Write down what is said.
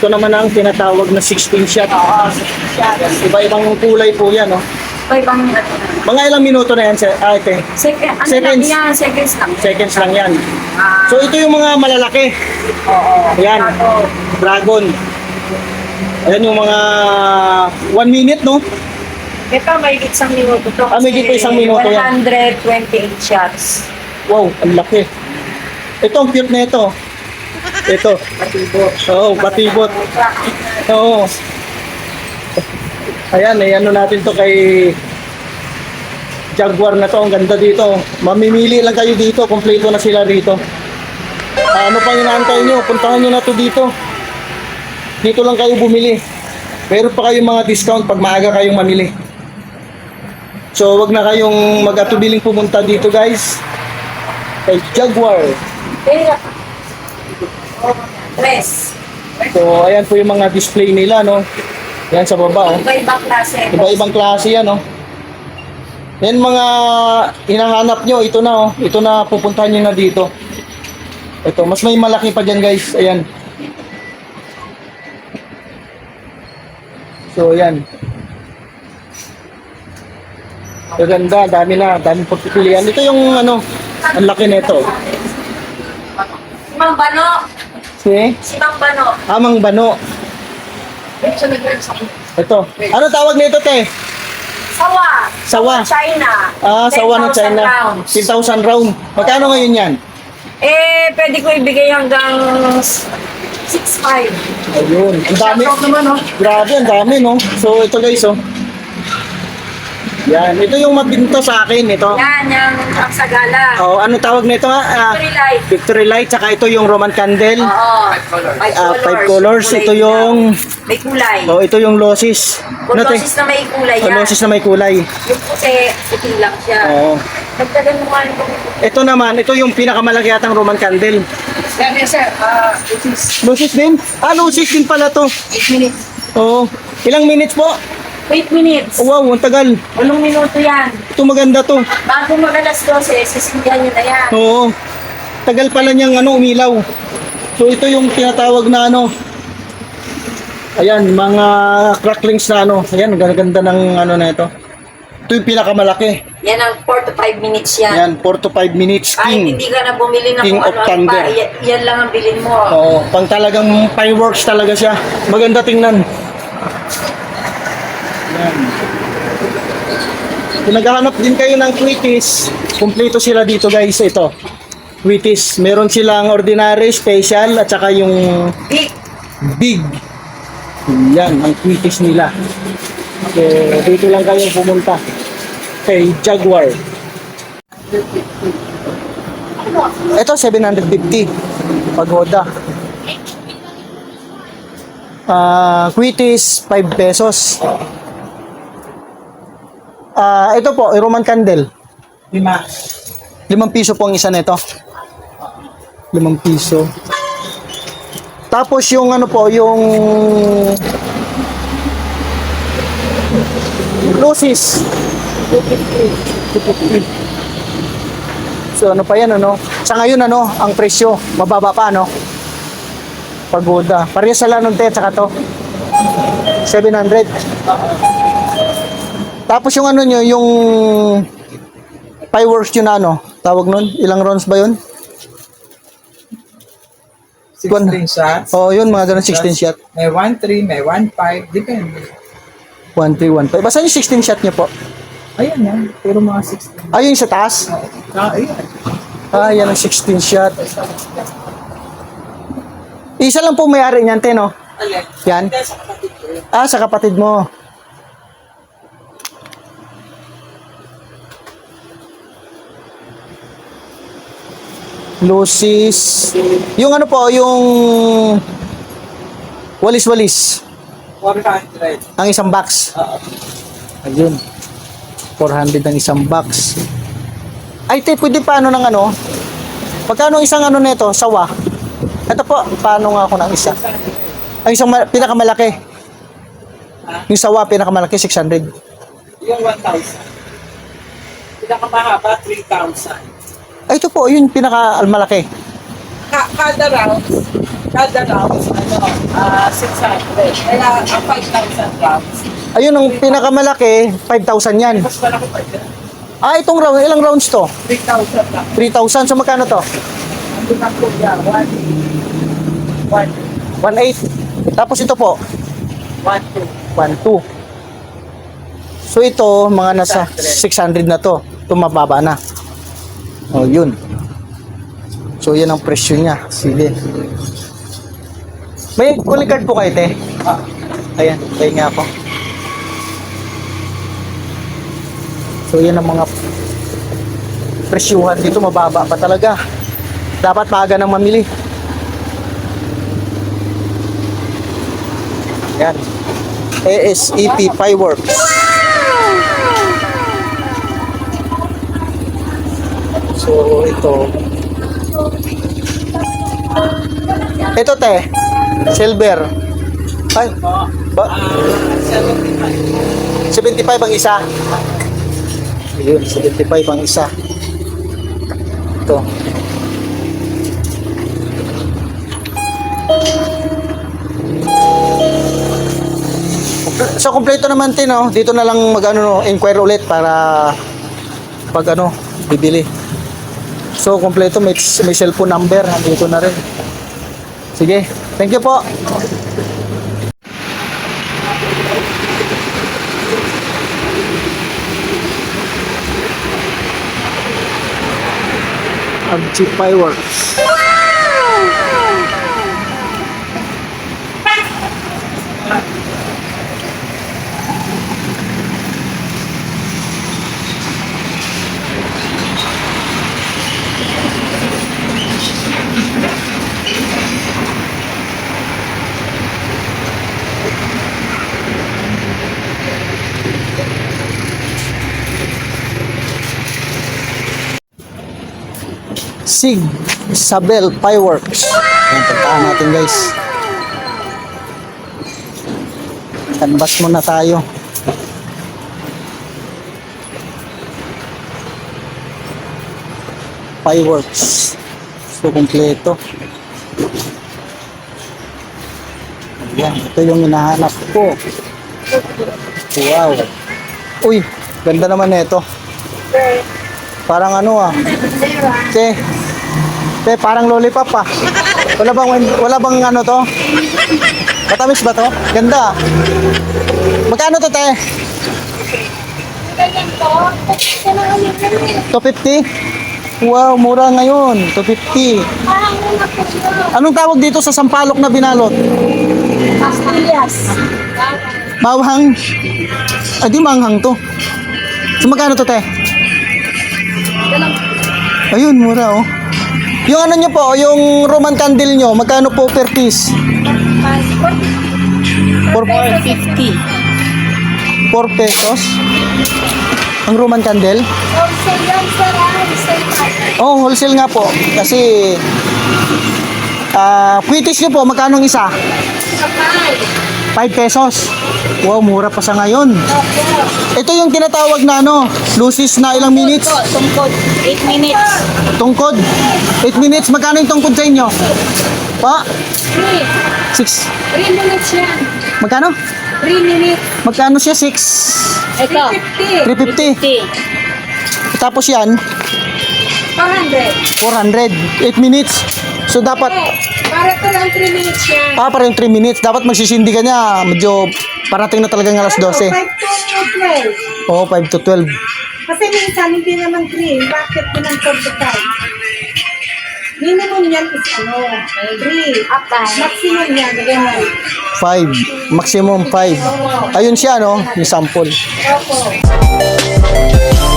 Ito naman ang tinatawag na 16 shot. Oo, siya. Iba-ibang kulay po yan, no? Ibang Mga ilang minuto na yan, ate? Ano Seconds. lang yan? Seconds lang. Seconds lang yan. Ah, So, ito yung mga malalaki. oo. Ayan. Ito. Dragon. Ayan yung mga 1 minute, no? Ito, may isang minuto to. Ah, may higit pa isang minuto yan. 128 shots. Wow, ang laki. Ito, ang cute na ito. Ito. Patibot. Oo, batibot. Oo. Ayan, ano natin to kay Jaguar na to. Ang ganda dito. Mamimili lang kayo dito. Kompleto na sila dito. Ano pa inaantay nyo? Puntahan nyo na to dito. Dito lang kayo bumili. Meron pa kayong mga discount pag maaga kayong mamili. So, wag na kayong mag-atubiling pumunta dito, guys. Kay Jaguar. Tres. So, ayan po yung mga display nila, no? Yan sa baba, oh. Iba-ibang klase. Iba-ibang klase yan, oh. Yan mga hinahanap nyo, ito na, oh. Ito na, pupuntahan nyo na dito. Ito, mas may malaki pa dyan, guys. Ayan. So, ayan. Ganda, dami na, dami pagpipilian. Ito yung, ano, ang laki nito. Si Mang Bano. Si Mang Bano. Amang Bano. Ito. Ano tawag nito, te? Sawa. Sawa. China. Ah, sawa ng 10,000 China. rounds. 10,000 round. Magkano ngayon yan? Pwede ko ibigay hanggang 6,500. Ayun. Ang dami. naman, no? Grabe, ang dami, no? So, ito guys, oh. Yan. Ito yung mabinto sa akin, ito. Yan, yung Aksagala. Oh, ano tawag nito, ha? Victory Light. Victory Light, saka ito yung Roman Candle. Oo. 5 colors. Ito yung... May kulay. Oh, ito yung Lossis. Kung Ano, te? dosis na may kulay Oh, yan. Lossis na may kulay. Yung puti lang siya. Oo. Dagdagan mo nga nito. Ito naman, ito yung pinakamalaki yatang Roman Candle. Yes, sir. Dosis. Lossis din? Ah, Lossis din pala to. 8 minutes. Oo. Ilang minutes po? 8 minutes. Oh, wow, ang tagal. 8 minuto yan. Ito maganda to. Bago mag-alas 12, sisindihan nyo na yan. Oo. Tagal pala niyang ano, umilaw. So ito yung tinatawag na ano. Ayan, mga cracklings na ano. Ayan, ganda ng ano na ito. Ito yung pinakamalaki. Yan ang 4 to 5 minutes yan. Ayan, 4 to 5 minutes. Kahit King. hindi ka na bumili ng King kung of ano Thunder. pa, yan lang ang bilhin mo. Oo, pang talagang fireworks talaga siya. Maganda tingnan. Ayan. Kung naghahanap din kayo ng Quickies, kumpleto sila dito guys. Ito, Quickies. Meron silang ordinary, special, at saka yung Big. big. Yan, ang Quickies nila. So, dito lang kayo pumunta kay Jaguar. Ito, 750. Pagoda. Quickies, 5 pesos. Ito po, Roman Candle. 5 piso po ang isa nito. 5 piso. Tapos yung ano po, yung Lossis. 250. So ano pa yan, ano? Sa ngayon, ano, ang presyo, mababa pa, ano? Pagoda. Parehas sa Lanon Te, tsaka to. 700. Tapos yung ano nyo, yung fireworks yun na ano, tawag nun? Ilang rounds ba yun? 16 shots. Oo, yun, mga ganun, 16 shot. May 1-3, may 1-5, depende. 1, 3, 1, 5. Basta yung 16 shot nyo po. Ayan yan, pero mga 16. Ayun sa taas. Ayan. Yan ang 16 shot. Isa lang po may-ari niyan, te, no? Yan. Sa kapatid mo. Lossis. Yung ano po, yung walis-walis. 400. Ang isang box. Ayun. 400 ang isang box. Ay, te, pwede paano ng ano? Pagkano isang ano nito, sawa? Ito po, paano nga ako ng isa? Ang isang pinakamalaki. Yung sawa, pinakamalaki, 600. Yung 1,000. Pinakamahaba, 3,000. Ay, ito po, yun pinakamalaki. Kada round, Kada grams, 600. Kaya ang 5,000 grams, Ayun, ang pinakamalaki, 5,000 yan. mas malaki pa dyan. Ah, itong round, ilang rounds to? 3,000 lang. 3,000. So, magkano to? Ang lang po yan, 1, 1,800. Tapos ito po, 2. 1,200. So, ito, mga nasa 600 na to. Ito, mababa na. O, yun. So, yan ang presyo niya. Sige. May calling card po kayo, te? Ayan, tayo nga ako. So, yan ang mga presyuhan dito. Mababa pa talaga. Dapat maaga nang mamili. Yan. ASEP Fireworks. So, ito. Ito, te. Silver. Ay, ba? 75 ang isa. Ayun, 75 ang isa. Ito. So, kompleto naman tin, no? Dito na lang inquire ulit para pag bibili. So, kompleto, may cellphone number, dito na rin. Sige, thank you po. Abchi Fireworks. Sig Isabel Fireworks. Ayan, puntaan natin guys. Canvas muna tayo. Fireworks. So, kompleto. Ayan, ito yung hinahanap ko. Wow. Uy, ganda naman nito. Parang Te, parang lollipop ah. Wala bang to? Matamis ba to? Ganda. Magkano to, te? Ganyan po. Kailangan yun. 250? Wow, mura ngayon. 250. Parang una po siya. Anong tawag dito sa sampalok na binalot? Pastillas. Bawang. Di manghang to. So, magkano to, te? Ayun, mura oh. Yung nyo po, yung Roman candle nyo, magkano po per piece? 4 pesos? Ang Roman candle? Wholesale lang sir. Wholesale. Oh, wholesale nga po. Kasi, kwitis nyo po, magkano ang isa? Kapal. 5 pesos. Wow, mura pa sa ngayon. Opo. Ito yung tinatawag na lucis na ilang minutes? Tungkod. 8 minutes. Tungkod. 8 minutes. Magkano yung tungkod sa inyo? Pa? 3. 6. 3 minutes yan. Magkano? 3 minutes. Magkano siya? 6. Ito. 350. Tapos yan, 400. 400. 8 minutes. So dapat, Para lang 3 minutes yan. parang 3 minutes. Dapat magsisindi ka niya. Medyo parating na talagang alas 12. 5 to 12. Oo, 5 to 12. Kasi minsan hindi naman 3. Bakit mo ng 4 to 5? Minimum yan is 3. Maximum yan. Ganyan. 5. Maximum 5. Ayun siya, yung sample. Opo.